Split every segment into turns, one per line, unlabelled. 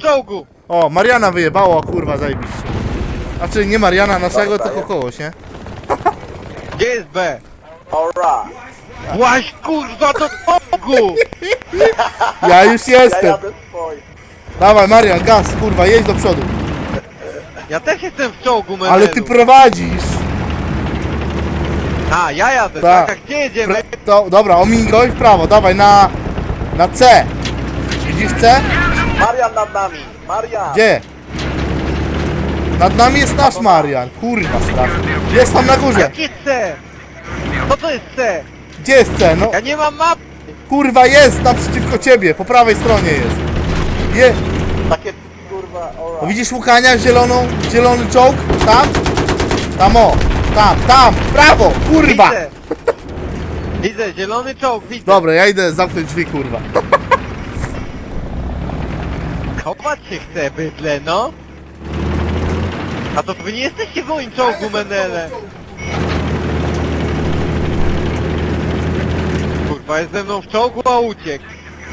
czołgu!
O, Mariana wyjebało, kurwa, zajebiście. Znaczy nie Mariana naszego,
Dobra,
tylko kogoś, nie?
Gdzie jest B?
Alright.
Właś kurwa do czołgu!
Ja już
Ja
jestem.
jadę swoim.
Dawaj, Marian, gaz, kurwa, jedź do przodu.
Ja też jestem w czołgu, Menelu.
Ale ty prowadzisz.
A, ja jadę,
Tak.
tak, a gdzie jedziemy?
Dobra, omiń go i w prawo, dawaj, na C. Widzisz C?
Marian nad nami. Marian.
Gdzie? Nad nami jest nasz Marian. Kurwa, strasznie. Jest tam na górze.
Jakie C? Co to jest C?
Gdzie jest C? No,
Ja nie mam map!
kurwa, jest naprzeciwko ciebie. Po prawej stronie jest.
Takie kurwa,
No,
alright.
widzisz Łukania, zielony czołg? Tam? Tam o. Tam, prawo, kurwa.
Widzę! Widzę, zielony czołg, widzę.
Dobra, ja idę zamknąć drzwi, kurwa.
Chować się chce, bydle, no. A to wy nie jesteście w moim czołgu, Menele. Kurwa, jest ze mną w czołgu, a uciekł.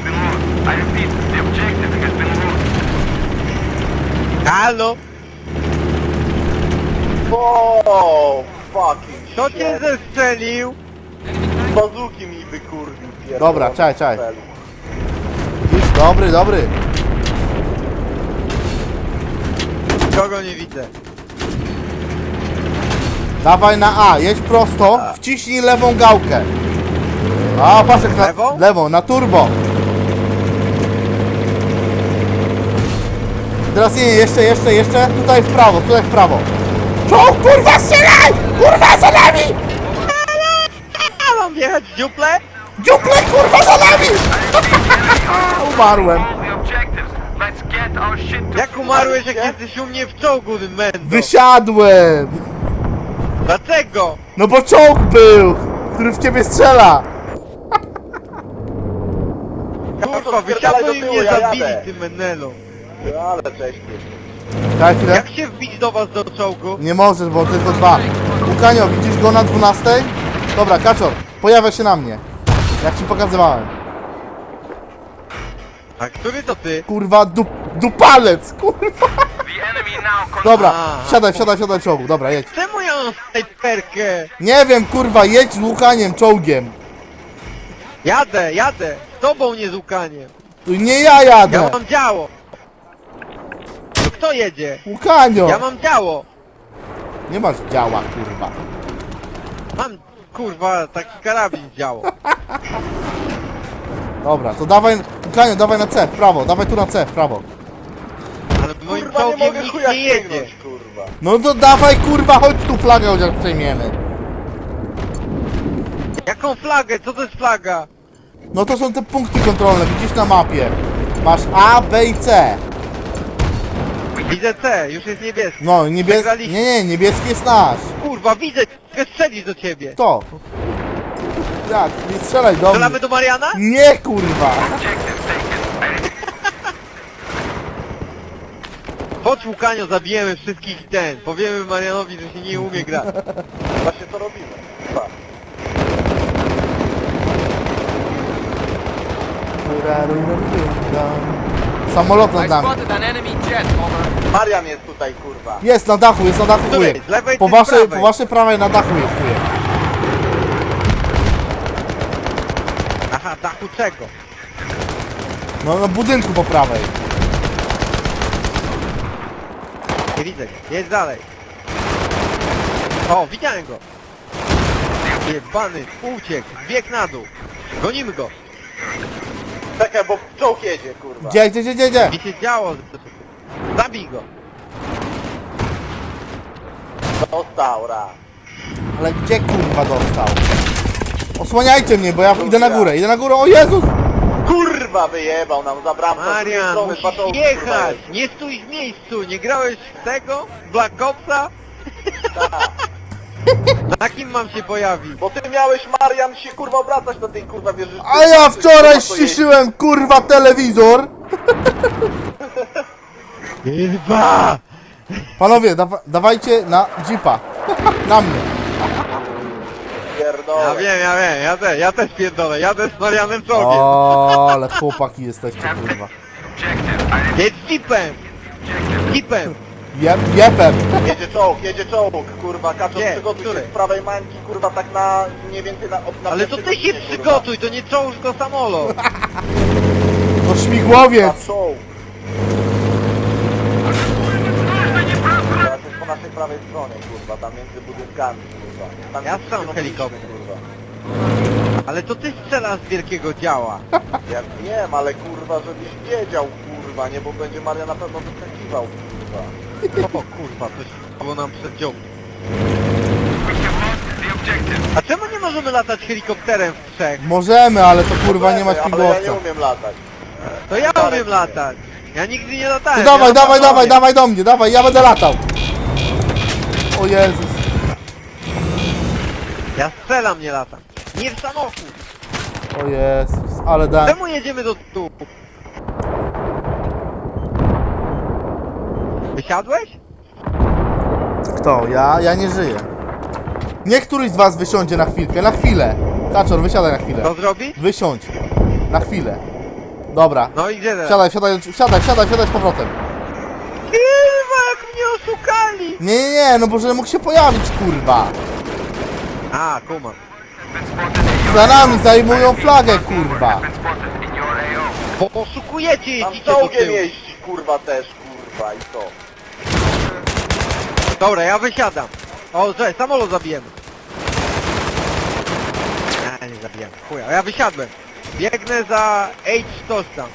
Halo?
O, fucking
Kto cię
shit.
zestrzelił?
Bazuki mi wykurwił pierdolony.
Dobra, czekaj. Już, dobry.
Kogo nie widzę?
Dawaj na A, jedź prosto, wciśnij lewą gałkę. A, patrz jak na...
Lewą?
Lewą, na turbo. Teraz nie, jeszcze, tutaj w prawo. Czołg, kurwa, strzelaj! Kurwa, za nami!
A mam wjechać w dziuple?
Dziuple, kurwa, za nami! Umarłem.
Jak umarłeś, jak jesteś u mnie w czołgu, Mendo?
Wysiadłem!
Dlaczego?
No bo czołg był, który w ciebie strzela.
Kurwa,
Spierdalaj do
wysiadło i
tyłu,
mnie
ja
zabili,
jadę.
ty Menelu.
Ale cześć.
Daj chwilę.
Jak się wbić do was do czołgu?
Nie możesz, bo tylko dwa. Łukanio, widzisz go na 12? Dobra, Kaczor, pojawia się na mnie. Jak ci pokazywałem.
A który to ty?
Kurwa, dupalec, kurwa. Dobra,
A.
siadaj w czołgu, dobra, jedź.
Czemu ja mam snajperkę?
Nie wiem, kurwa, jedź z Łukaniem czołgiem.
Jadę, z tobą nie z Łukaniem.
Tu nie ja jadę.
Ja mam działo. To kto jedzie?
Łukanio.
Ja mam działo.
Nie masz działa, kurwa.
Mam, kurwa, taki karabin działo.
Dobra, to dawaj, Łukanio, dawaj na C, w prawo, dawaj tu na C, w prawo.
Ale moim
Kurwa, nie
czołgiem
mogę
nikt
chuja
nie jedzie.
sięgnąć, kurwa.
No to dawaj, kurwa, chodź tu flagę chociaż przejmiemy.
Jaką flagę? Co to jest flaga?
No to są te punkty kontrolne, widzisz na mapie. Masz A, B i C.
Widzę C, już jest niebieski.
No, niebieski...
Przegraliśmy.
Nie, niebieski jest nasz.
Kurwa, widzę, mogę strzelić do ciebie.
To. Jak? Nie strzelaj do mnie.
Strzelamy do Mariana?
Nie, kurwa.
Chodź Łukanio, zabijemy wszystkich ten. Powiemy Marianowi, że się nie umie grać.
Właśnie to robimy. Chyba.
Samolot nad
I
nami.
spotted an enemy jet, over.
Marian jest tutaj, kurwa.
Jest na dachu,
Której?
chujek.
Z lewej
Po
czy z
waszej,
prawej?
po waszej prawej na dachu jest chujek.
Aha, dachu czego?
No na budynku po prawej.
Nie widzę go. Jedź dalej. O, widziałem go. Jebany, uciekł, zbiegł na dół. Gonimy go.
Czekaj, bo czołg jedzie, kurwa.
Gdzie?
Mi się działo. Zabij go.
Dostał raz.
Ale gdzie kurwa dostał? Osłaniajcie mnie, bo ja idę na górę, o Jezus!
Kurwa wyjebał nam za bramkę.
Marian,
Z drugiej strony dwa
musisz
czołgi,
jechać.
kurwa,
Nie stój w miejscu. Nie grałeś w tego? Black Opsa? Na kim mam się pojawić?
Bo ty miałeś, Marian, się kurwa obracać do tej kurwa wieży.
A ja wczoraj ściszyłem kurwa telewizor!
Kurwa!
Panowie, dawajcie na jeepa. Na mnie.
Pierdolę.
Ja też pierdolę, jadę z Marianem czołgiem.
O, ale chłopaki jesteście kurwa.
Jedź jeepem! Jeepem!
Jepem.
Jedzie czołg, kurwa, Kaczor,
Gdzie?
przygotuj się
Który?
z prawej mańki, kurwa, tak na mniej więcej na
Ale to ty
pierwszej
się
godzinie, kurwa.
przygotuj, to nie czołg, tylko samolot!
To śmigłowiec.
A czołg. Teraz jest po naszej prawej stronie, kurwa, tam między budynkami, kurwa. Tam
Ja
jest
strzelam
kierownicy,
helikopter.
kurwa.
Ale to ty strzelasz z wielkiego działa.
Ja wiem, ale kurwa, żebyś wiedział, kurwa, nie, bo będzie Maria na pewno wyskakiwał, kurwa.
O kurwa, coś było nam przed dziobem. A czemu nie możemy latać helikopterem w trzech?
Możemy, ale to kurwa nie ma
Ale ja
śmigłowca.
nie umiem latać.
To ja
Darek
umiem
nie.
latać. Ja nigdy nie latałem.
To dawaj,
ja
dawaj,
latam
dawaj,
sobie.
dawaj do mnie, dawaj, ja będę latał. O Jezus.
Ja strzelam, nie latam. Nie w samochód.
O Jezus, ale dałem.
Czemu jedziemy do tu? Wysiadłeś?
Kto? Ja nie żyję. Niech któryś z was wysiądzie na chwilkę, na chwilę. Kaczor, wysiadaj na chwilę.
Co zrobić?
Wysiądź. Na chwilę. Dobra.
No i gdzie teraz?
Siadaj z powrotem.
Kurwa, jak mnie oszukali!
Nie, no bo że mógł się pojawić, kurwa.
A, kumam.
Za nami zajmują flagę, kurwa.
Bo oszukujecie,
Tam
jedzicie do
czołgiem
tyłu.
jeździ, kurwa, też, kurwa, i to.
Dobra, ja wysiadam. O, że samolot zabijemy. Nie, nie zabijemy. Chuja, ja wysiadłem. Biegnę za H-Toś tam.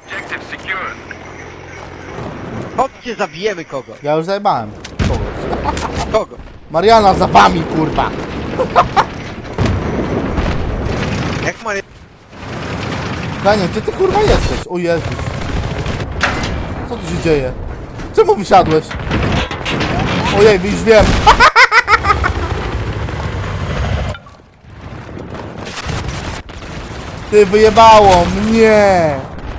Chodźcie, zabijemy kogoś.
Ja już zajebałem kogoś.
Kogo?
Mariana za wami, kurwa.
Jak ma...
Daniel, gdzie ty kurwa jesteś? O Jezus. Co tu się dzieje? Czemu wysiadłeś? Ojej, już wiem. Ty wyjebało mnie.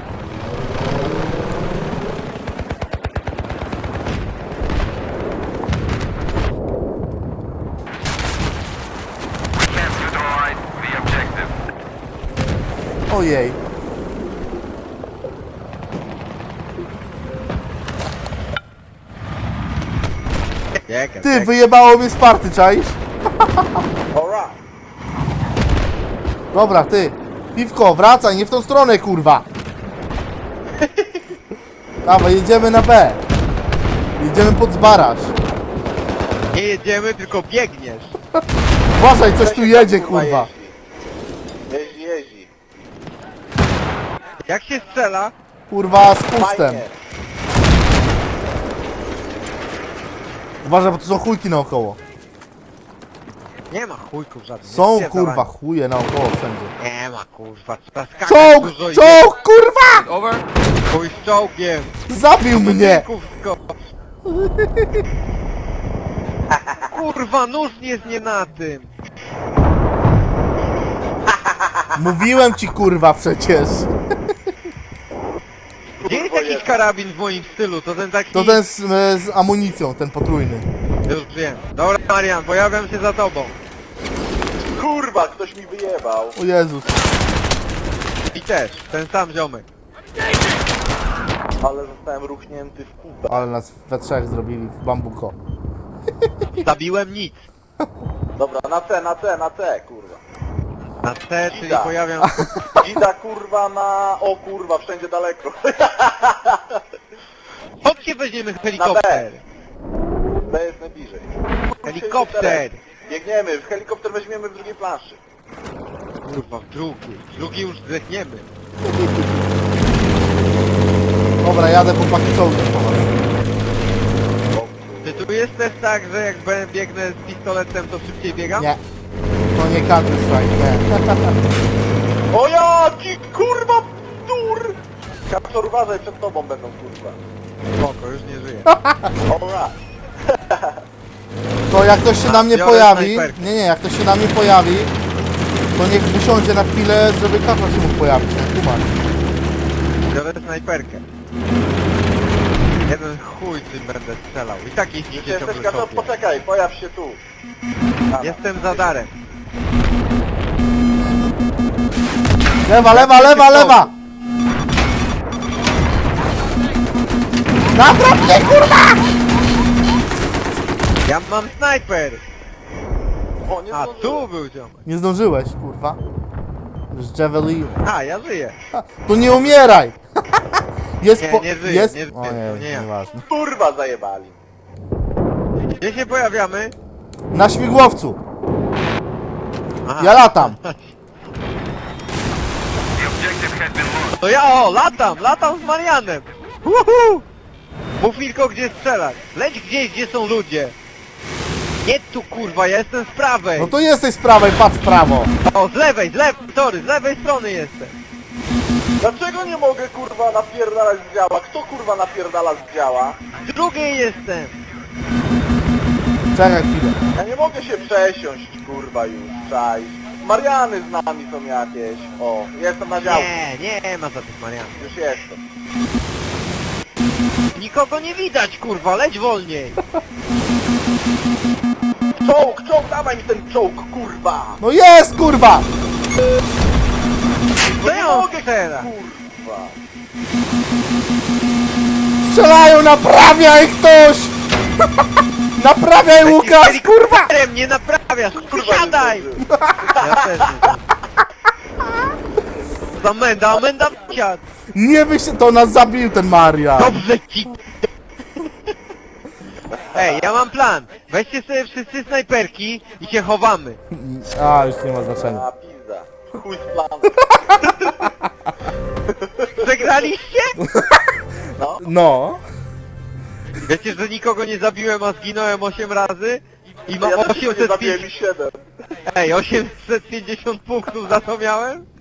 Ojej. Ty, wyjebało mnie z party, czaisz?
Alright.
Dobra, ty. Piwko, wracaj, nie w tą stronę, kurwa. Dawaj, jedziemy na B. Jedziemy pod zbaraż.
Nie jedziemy, tylko biegniesz.
Uważaj, coś tu jedzie, kurwa.
Jeździ.
Jak się strzela?
Kurwa, z pustem.
Fajnie.
Uważaj, bo tu są chujki naokoło.
Nie ma chujków żadnych.
Są,
Nie
kurwa,
pierdolę.
chuje naokoło wszędzie.
Nie ma, kurwa. Trzeba skakać
Czołg,
dużo i-
czołg, kurwa!
Over.
Chuj z czołgiem.
Zabił mnie.
Budynków skocz. Kurwa, nóż jest nie na tym.
Mówiłem ci, kurwa, przecież.
Gdzie jest
Kurwa,
jakiś
jest.
karabin w moim stylu? To ten taki...
To ten z amunicją, ten potrójny.
Już wiem. Dobra, Marian, pojawiam się za tobą.
Kurwa, ktoś mi wyjebał.
O Jezus.
I też, ten sam ziomek.
Ale zostałem ruchnięty w kubę.
Ale nas we trzech zrobili w bambuko.
Zabiłem nic.
Dobra, na C, kurwa.
Na C, czyli
Ida.
pojawiam...
Dzida, kurwa, na... O kurwa, wszędzie daleko.
Chodźcie, weźmiemy helikopter.
B jest najbliżej.
Helikopter.
Biegniemy, helikopter weźmiemy w drugiej planszy.
Kurwa, w drugi. Drugi już zdechniemy.
Dobra, jadę po pakietovym po was.
Czy tu jest też tak, że jak biegnę z pistoletem, to szybciej biegam?
Nie. To nie Counter Strike, nie.
O jaki kurwa dur! Kapsor, uważaj, przed tobą będą, kurwa.
Spoko, już nie żyję.
Alright.
To jak ktoś się na mnie
biorę
pojawi...
snajperkę.
Nie, jak ktoś się na mnie pojawi, to niech wysiądzie na chwilę, żeby Kaczor się mógł pojawić. Nie kumać.
Biorę snajperkę. Jeden chuj tym będę strzelał. I tak
Gdzie
jeździcie
jesteś,
ciągle
Kapsor?
sobie.
Poczekaj, pojaw się tu.
Jestem za darem.
Lewa, lewa, lewa, lewa! Napraw mnie, kurwa!
Ja mam snajper!
O, nie
A
zdążyłem.
tu był ziomek.
Nie zdążyłeś, kurwa. Z Javelin.
A, ja żyję.
To nie umieraj! Jest
Nie,
po...
nie żyję,
jest...
nie żyję,
O
to
nie,
nie ja.
nieważne.
Kurwa zajebali.
Gdzie się pojawiamy?
Na śmigłowcu!
Aha.
Ja latam!
To ja latam z Marianem! Uhu! Mów tylko gdzie strzelać. Leć gdzieś, gdzie są ludzie. Nie tu kurwa, ja jestem z prawej.
No to jesteś z prawej, patrz w prawo!
O, z lewej, z lewej strony jestem.
Dlaczego nie mogę kurwa napierdalać z działa? Kto kurwa napierdala z działa?
Z drugiej jestem.
Czekaj chwilę.
Ja nie mogę się przesiąść kurwa już, cześć. Mariany z nami są jakieś. O, jestem na działku.
Nie ma za tych Marianów.
Już jestem.
Nikogo nie widać kurwa, leć wolniej.
Czołg, dawaj mi ten czołg, kurwa!
No jest, kurwa!
No nie
Co on
mogę,
strzela?
kurwa!
Strzelają, naprawiaj ktoś! Naprawiaj, Łukasz, kurwa!
Helikopterem nie naprawiasz,
Kurwa, nie
siadaj!
zdążyłem.
Ja też nie. Amenda wsiadł.
Nie wyś... To nas zabił ten Maria!
Dobrze ci. Ej, ja mam plan. Weźcie sobie wszyscy snajperki i się chowamy.
A, już nie ma znaczenia.
A, pizda. Chuj z planu.
Przegraliście?
No.
No.
Wiecie, że nikogo nie zabiłem, a zginąłem 8 razy? I mam
Ja też nie zabiłem
850...
i 7.
Ej, 850 punktów za to miałem?